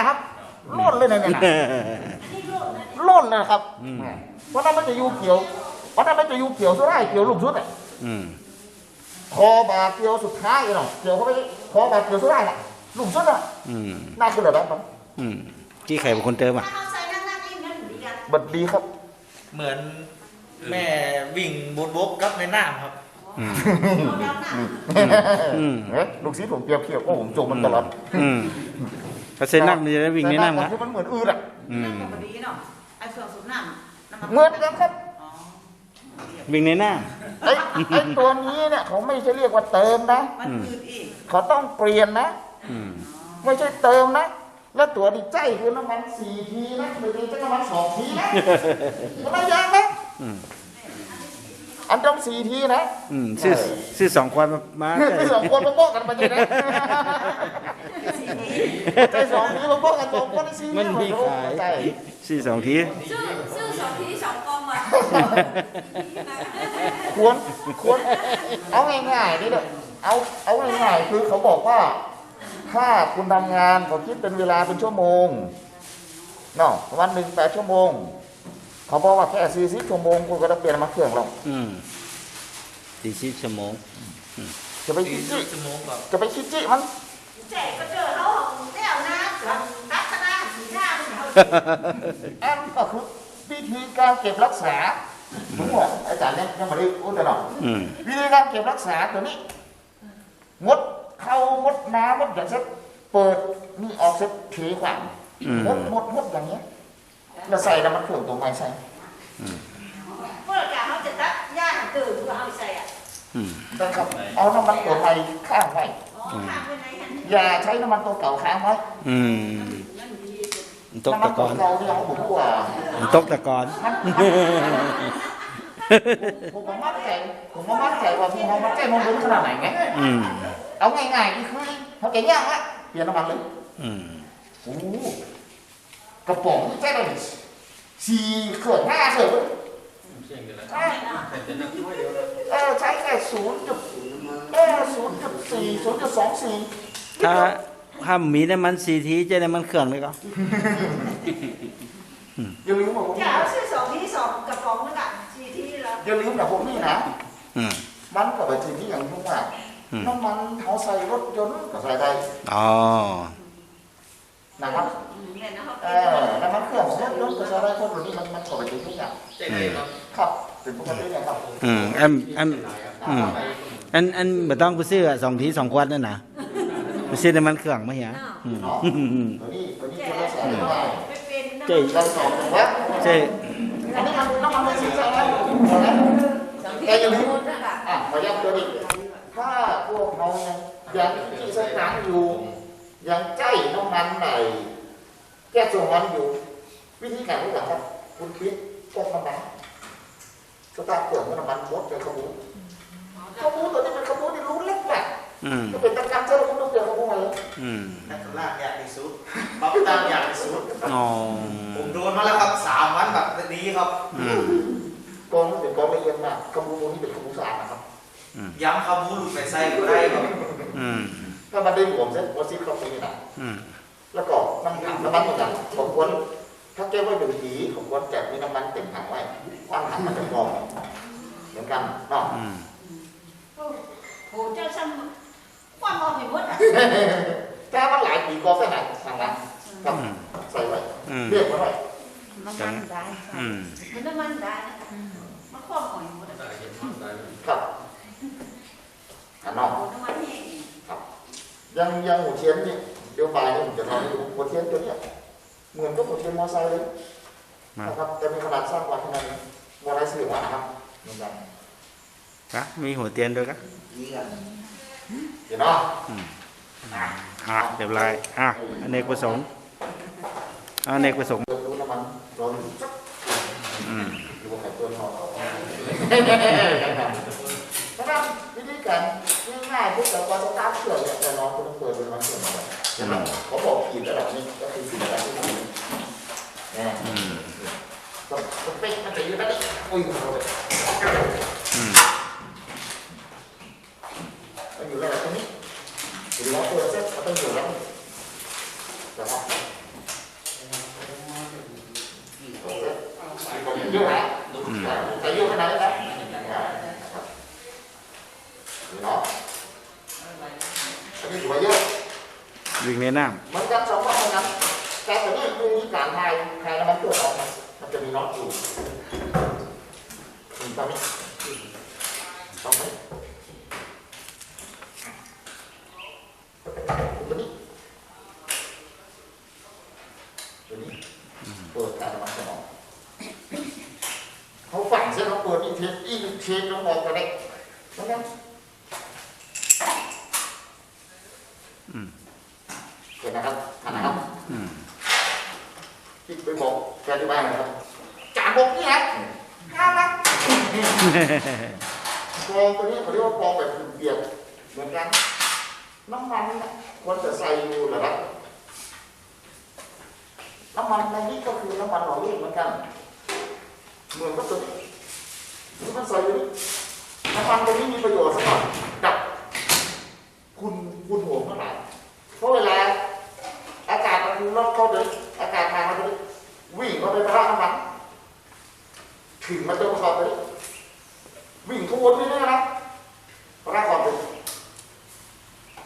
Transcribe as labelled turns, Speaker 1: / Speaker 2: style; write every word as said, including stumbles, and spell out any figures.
Speaker 1: นะครับล่นเลยนะเนี่ยล่นนะครับเพราะนั้นมันจะอยู่เกี่ยวเพราะนั้นมันจะอยู่เกี่ยวสุดท้ายเกี่ยวลูกชุดอ่ะคอบาเกี่ยวสุดท้ายเนาะเกี่ยวเข้าไปคอบาเกี่ยวสุดท้ายน่ะลูกชุดอ่ะน่าคือแบบนั้น
Speaker 2: จี้ไข่เป็นคนเติมอ่ะ
Speaker 1: บัดดีครับ
Speaker 3: เหมือนแม่วิ่งบนบกกับในน้ำครับ
Speaker 1: ลูกศิษย์ผมเปรียบเทียบว่าผมจมมันตลอด
Speaker 2: ถ้าเส้นนั่งมันจะได้วิ่งในน้ำนะ
Speaker 1: มันเหมือนอืดอ่ะ
Speaker 4: เห
Speaker 1: มือนกันครับ
Speaker 2: วิ่งในน้
Speaker 1: ำไอ้ไอ้ตัวนี้เนี่ยเขาไม่ใช่เรียกว่าเติมนะเขาต้องเปลี่ยนนะไม่ใช่เติมนะแล้วตัวดีใจคือน้ำมันสี่ทีนะไม่ใช่น้ำมันสองทีนะมันไม่ยากนะอันต้องสี่ทีนะ
Speaker 2: ซื้อซื้อสองคนมา
Speaker 1: ซื้อสองคนมาโป๊ะกันไปเลยนะใจสองทีมาโป๊ะกันสองคนสี่
Speaker 2: มันมีขายซื้อสองที
Speaker 4: ซื้อซื้อสองทีสองกองมา
Speaker 1: ควรควรเอาง่ายๆนี่เลยเอาเอาง่ายๆคือเขาบอกว่าถ้าคุณทำงานเขาคิดเป็นเวลาเป็นชั่วโมงเนาะวันหนึ่งแปดชั่วโมงเขาบอกว่าแค่สี่สิบชั่วโมงคุณก็ต้องเปลี่ยนมาเครื่องเรา
Speaker 2: สี่สิบชั่วโมง
Speaker 1: จะไปคิดจิจะไปคิดจิมัน
Speaker 4: เจ๊ก็เจอเขาเดี่ยวนะทัศนาสีหน้า
Speaker 1: แอมก็คือวิธีการเก็บรักษาผมบอกอาจารย์เนี่ยยังไม่ได้พูดแต่หรอกวิธีการเก็บรักษาตัวนี้งดเข้างดน้ำงดอย่างเช่นเปิดนี่ออกเสร็จถือขวานงดงดงดอย่างเงี้ยเราใส่น้ำมันเครื่องตัวไม้ใส่
Speaker 4: พวกเราเขาจะตัดย่าตื่นตัวเขาใส่อ่ะ
Speaker 1: ได้ครับเอาน้ำมันตัวใหม่ข้างไว้อย่าใช้น้ำมันตัวเก่าค้างไว้
Speaker 2: ตกตะกอน
Speaker 1: เราเนี่ยเขาบอกว่า
Speaker 2: ตกตะกอน
Speaker 1: ผมมามั่นใจผมมามั่นใจว่าพี่เขามั่นใจมันลุ้นขนาดไหนไงเอาง่ายๆนี่คือเขาแก่ย่างละเปลี่ยนน้ำมันเลยโอ้กระป๋องใช่ไหมสี่เขื่อนห้าเสือเออใช้แค่ศูนย์จุดเออศูนย์จุดสี่ศูนย์จุดสองสี่
Speaker 2: ถ้าถ้ามีน้ำมันสี่ทีจะได้มันเครื่องเลยก็
Speaker 1: อย่าลืมว่าผม
Speaker 4: จะเอาซื้อสองทีสองกระป๋องแล้วกันสี่ทีแล้ว
Speaker 1: อย่าลืมนะผมนี่นะมันกับไปทีที่อย่างที่ว่าน้ำมันเขาใส่รถยนต์ก็ใส่ได้
Speaker 2: อ๋อ
Speaker 1: นะครับเออน้ำมันเครื่องรถยนต์ก็ใส่ได้คนเหล่านี้มันมันกับไปทีที่อย่างครับเป็นปกติเนี่ยครับ
Speaker 2: อืมอันอันอืมอันอันไม่ต้องไปซื้อสองทีสองขวดนั่นนะไปซื้อน้ำมันเครื่องมาเหี้ย
Speaker 1: ตัวนี้ตัวนี้คนละสองได้
Speaker 2: เจ๊
Speaker 1: เราสองวัด
Speaker 2: เจ๊
Speaker 1: อันนี้มันน้ำมันไม่ใช่ใช่ไหมแกอย่าลืมอ่ะขอย้ำตัวนี้ถ้าพวกเรายังที่สถานอยู่ยังใจน้ำมันไหนแก้ส่วนมันอยู่วิธีการรู้จักครับคุณคิดแก้น้ำมันสตาร์ทเครื่องน้ำมันมดเป็นขบูขบูตัวนี้เป็นขบูที่รู้เล็กแบบจะเป็นตะการเจ้าคุณต้องเปลี่ยนขบูมาเลย
Speaker 3: นักล่าอยากที่สุดบัฟตันอยากที่สุดผมโดนมาแล้วครับสามวันแบบนี้ครับ
Speaker 1: กองเป็นกองละเอียดมากขบูตัวนี้เป็นขบูสะอาดนะครับ
Speaker 3: ย้ำขบูหลุดไปใส่ก็ได้ครับ
Speaker 1: ถ้ามันได้หลวมเส้นวัดซีเข้าไปนะแล้วก็น้ำน้ำมันเหมือนกันผมควรถ้าแก้ว่าเป็นผีผมควรแจกมีน้ำมันเต็มถังไว้ควันถังมันจะกรองเหมือนกันเนาะ
Speaker 4: โอ้เจ้าซ้ำความมองเห็นหมดอ่ะ
Speaker 1: แก้มันหลายปีก็แค่ไหนทางนั้นครับใส่ไว้เรียกไว้
Speaker 4: น้ำมันได้มันน้ำมันได้มันความมองเห็นหมด
Speaker 1: ครับอันนอกครับยังยังหัวเทียนนี่เดี๋ยวบ่ายนี่ผมจะทำให้ดูหัวเทียนตัวนี้เหมือนกับหัวเทียนมอไซค์เลยนะครับแต่มีขนาดสร้างกว่าขนาดนี้มอไซค์สี่วัตต์ครับเหมือนกัน
Speaker 2: ครับมีหัวเทียนด้วยครับ
Speaker 1: เห็นเนาะ
Speaker 2: อ่ะเดี๋ยวไรอ่ะอเนกประสงค์อเนกประสงค์
Speaker 1: รู้น้ำมันร้อนอืมดูไข่ตัวทองนะครับวิธีการง่ายๆพวกเราก็จะตั้งเขื่อนเนี่ยแต่น้องคุณต้องเปิดเป็นมันเขื่อนมาเลยใช่ไหมเขาบอกขีดระดับนี้ก็คือขีดระดับที่สี่เนี่ยก็ก็เป๊ะมันจะอยู่นั่นเองอุ้ยมันอยู่ระดับตรงนี้หรือว่าเปิดเซ็ตมันต้องอยู่แล้วนะครับเยอะนะใส่เยอะขนาดนี้นะเนาะอันนี้ถือว่าเยอะ
Speaker 2: วิ่งในน้
Speaker 1: เหมือนกันสองว่าเหมือนกันแต่ตัวนี้คือมีการทายทายแล้วมันตัวออกมันจะมีน็อตอยู่ตรงนี้ตรงนี้ตัวนี้ตัวนี้เปิดการมันจะออกเขาฝังเส้นเขาเปิดอีเทสอีเทสลงออกกันได้แล้วนะเห็นนะครับท่านนะครับ
Speaker 2: ำอืม
Speaker 1: ที่ไปบอกแกที่บ้านนะครับจานบอกนี่ฮะน่ารักกองตัวนี้เขาเรียกว่ากองแบบเปียกเหมือนกันน้ำมันนะควรจะใส่อยู่เหรอครับน้ำมันในนี้ก็คือน้ำมันหล่อลื่นเหมือนกันเหมือนกับตัวนี้ที่มันใส่อยู่นี่น้ำมันตัวนี้มีประโยชน์สำหรับดับคุณคุณหัวเมื่อไหร่เพราะเวลาอากาศมันลดเข้าเลยอากาศทางมันจะวิ่งเข้าไปประทะน้ำมันถึงมันจะประกอบไปวิ่งขบวนไปเรื่อยๆนะ